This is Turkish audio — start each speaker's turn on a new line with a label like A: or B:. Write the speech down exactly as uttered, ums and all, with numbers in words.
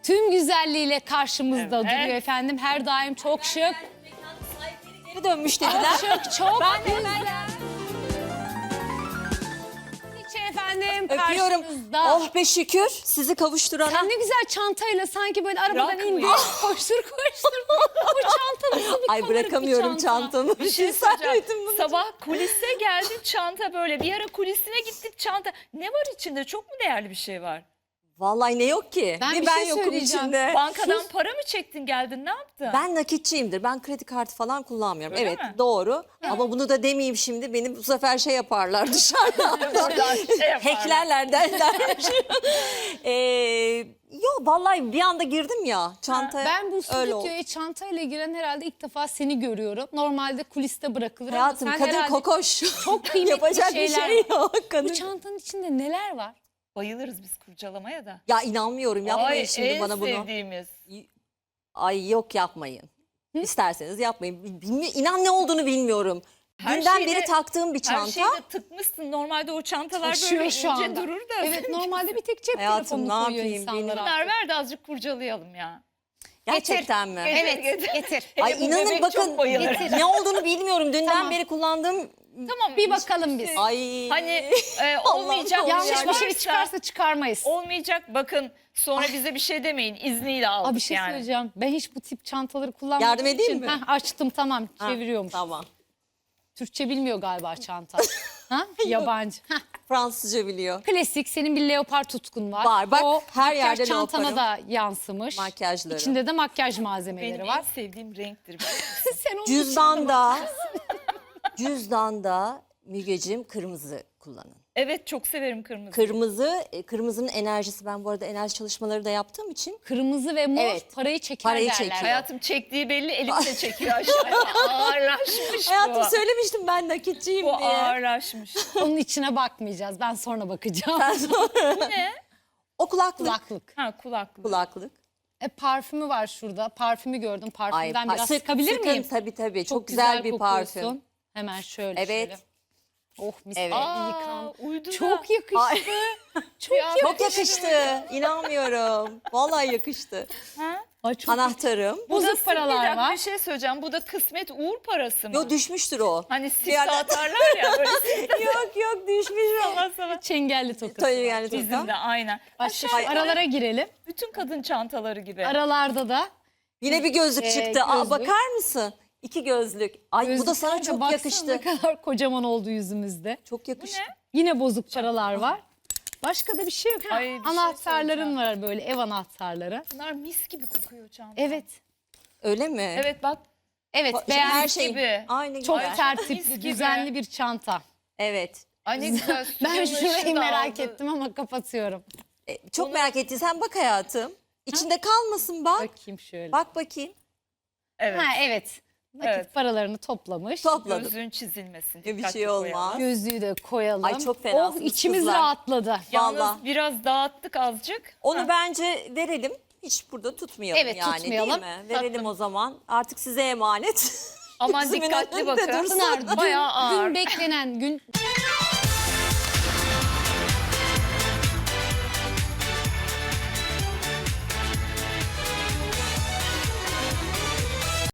A: tüm güzelliğiyle karşımızda
B: Evet.
A: duruyor efendim. Her daim çok şık.
C: Geri dönmüş dediler.
A: Şık, çok
C: Ben de
A: güzel. İçi efendim
C: Öpüyorum.
A: karşınızda.
C: Oh be şükür sizi kavuşturana.
A: Sen ne güzel çantayla sanki böyle arabadan
B: Bırakmıyor.
A: indin. Koştur koştur. Bu çanta nasıl bir
C: Ay
A: kabarık bir
C: bırakamıyorum
A: çanta?
C: çantamı.
B: Bir şey
C: Sen
B: söyleyeceğim.
C: miydin bunu?
B: Sabah kulise geldin, çanta böyle. Bir ara kulisine gittik, çanta. Ne var içinde? Çok mu değerli bir şey var?
C: Vallahi ne yok ki?
A: Ben
C: bir
A: bir
C: ben
A: şey
C: yokum
A: söyleyeceğim.
C: içinde.
B: Bankadan para mı çektin geldin, ne yaptın?
C: Ben nakitçiyimdir. Ben kredi kartı falan kullanmıyorum.
B: Öyle
C: evet
B: mi?
C: doğru. Ama bunu da demeyeyim şimdi. Benim bu sefer şey yaparlar dışarıda.
B: Oradan şey yaparlar.
C: Hacklerler derler. ee, yok vallahi bir anda girdim ya çantaya.
A: Ben bu
C: öyle oldu.
A: stüdyoya çantayla giren herhalde ilk defa seni görüyorum. Normalde kuliste bırakılır
C: Hayatım
A: ama sen
C: kadın
A: herhalde
C: kokoş.
A: çok kıymetli
C: Yapacak bir
A: şeyler
C: şey
A: var.
C: yok. Kadın.
A: Bu çantanın içinde neler var?
B: Bayılırız biz kurcalamaya da.
C: Ya inanmıyorum yapmayın
B: Ay,
C: şimdi
B: en
C: bana bunu.
B: sevdiğimiz.
C: Ay yok yapmayın. İsterseniz yapmayın. Bilmi İnan ne olduğunu bilmiyorum.
B: Her
C: Dünden
B: şeyde-
C: beri taktığım bir
B: Her
C: çanta.
B: şeyde tıkmışsın. Normalde o çantalar
A: Taşıyor
B: böyle
A: şu
B: ince
A: anda.
B: durur da.
A: Evet normalde bir tek cep
C: Hayatım,
A: telefonunu
C: ne
A: koyuyor
C: yapayım,
A: insanlar.
C: bilmiyorum.
A: artık.
B: Bunlar ver de azıcık kurcalayalım ya.
C: Gerçekten mi?
B: Getir,
A: Evet
B: getir.
A: getir.
C: Ay
B: Hele bu
C: inanın
B: bebek
C: bakın
B: çok bayılır.
C: ne olduğunu bilmiyorum. Dünden
A: Tamam.
C: beri kullandığım.
B: Tamam.
A: Bir bakalım biz.
C: Ay.
B: Hani e, olmayacak
C: Allah'ım,
A: Yanlış bir şey
B: varsa-
A: çıkarsa çıkarmayız.
B: Olmayacak bakın sonra bize bir şey demeyin, izniyle aldık
A: Aa, bir şey
B: yani.
A: söyleyeceğim. Ben hiç bu tip çantaları kullanmadığım
C: Yardım edeyim
A: için.
C: mi?
A: Heh, açtım tamam
C: Ha,
A: çeviriyormuş.
C: Tamam.
A: Türkçe bilmiyor galiba çanta. ha? Yabancı. Heh.
C: Fransızca biliyor.
A: Klasik senin bir leopar tutkun var.
C: Var, bak,
A: o
C: her
A: makyaj
C: yerde
A: çantana
C: leoparım.
A: da yansımış.
C: Makyajları.
A: İçinde de makyaj malzemeleri
B: Benim
A: var.
B: en sevdiğim renktir.
A: Sen onun
C: Cüzdanda. Cüzdanda Mügeciğim kırmızı kullanın.
B: Evet çok severim kırmızı.
C: Kırmızı, e, kırmızının enerjisi. Ben bu arada enerji çalışmaları da yaptığım için.
A: kırmızı ve mor
C: Evet.
A: parayı çeker
C: Parayı
A: derler.
C: çekiyor.
B: Hayatım çektiği belli, elimle çekiyor aşağıya. Ağırlaşmış
C: Hayatım
B: bu.
C: söylemiştim ben nakitçiyim
B: Bu
C: diye.
B: ağırlaşmış.
A: Onun içine bakmayacağız. Ben sonra bakacağım.
B: Bu ne?
C: O kulaklık.
A: Kulaklık.
B: Ha kulaklık.
C: Kulaklık.
A: E, parfümü var şurada. Parfümü gördüm. Parfümden
C: pa-
A: biraz
C: sık-
A: sıkabilir
C: sıkın,
A: miyim?
C: Tabii tabii. Çok, güzel, bir
A: kokuyorsun.
C: parfüm.
A: Hemen şöyle
C: Evet.
A: şöyle. Oh mis
C: Evet.
A: gibi
B: Aa,
A: yıkan.
B: uydu
A: Çok
B: da.
A: yakıştı.
C: Ay.
A: Çok yakıştı.
C: Çok yakıştı. İnanmıyorum. Vallahi yakıştı.
B: Ha?
A: Ay, çok
C: Anahtarım.
B: Bu da
A: Bozuk paralar
B: bir dakika,
A: var.
B: Bir şey söyleyeceğim. Bu da kısmet uğur parası mı?
C: Yo düşmüştür o.
B: Hani sifte
C: Yani-
B: atarlar ya böyle sifte
C: yok yok düşmüş o.
B: sana.
A: çengelli tokası.
C: Tabii yani
B: Bizim
C: toka.
B: de aynen.
A: Başka
B: Aşağı
A: şu aralara girelim.
B: bütün kadın çantaları gibi.
A: Aralarda da
C: Yine bir gözlük
A: Ee,
C: çıktı. Aa,
A: gözlük.
C: bakar mısın? İki gözlük. Ay bu da sana
A: gözlükler de
C: çok
A: baksana
C: yakıştı.
A: ne kadar kocaman oldu yüzümüzde.
C: Çok yakıştı.
A: Yine bozuk paralar var. Başka da bir şey yok. Ha,
B: Ay, bir şey
A: anahtarların
B: söyleyeceğim.
A: var böyle ev anahtarları.
B: Bunlar mis gibi kokuyor çanta.
A: Evet.
C: Öyle mi?
B: Evet bak.
A: Evet
C: Ba-
A: beğendim.
C: Her şey
B: gibi.
C: aynı
A: Çok
C: güzel.
B: mis
A: tertipli,
B: gibi.
A: düzenli bir çanta.
C: Evet.
B: Ay ne güzel.
A: Ben
B: stüdyonun ışığı
A: şurayı
B: da
A: merak
B: aldı.
A: ettim ama kapatıyorum.
C: E, çok merak ettiysen bak hayatım. İçinde kalmasın bak.
A: Bakayım şöyle.
C: Bak bakayım.
B: Evet.
A: Ha evet. Nakit
B: Evet.
A: paralarını toplamış.
C: Topladım.
B: Gözün çizilmesin.
C: Bir
B: dikkatli
C: şey olmaz.
B: koyalım.
A: Gözlüğü de koyalım.
C: Ay, çok
A: Oh
C: fenasınız
A: içimiz
C: kızlar.
A: rahatladı.
B: Yalnız
C: Vallahi.
B: biraz dağıttık azıcık.
C: Onu
B: Ha.
C: bence verelim. Hiç burada tutmayalım
A: Evet,
C: yani
A: tutmayalım.
C: değil mi? Verelim
B: Tatlım.
C: o zaman. Artık size emanet.
B: Aman
C: Gözümün
B: dikkatli
C: önünde
B: bakın.
C: dursun.
A: Pınar, dün,
B: Bayağı ağır.
A: dün beklenen gün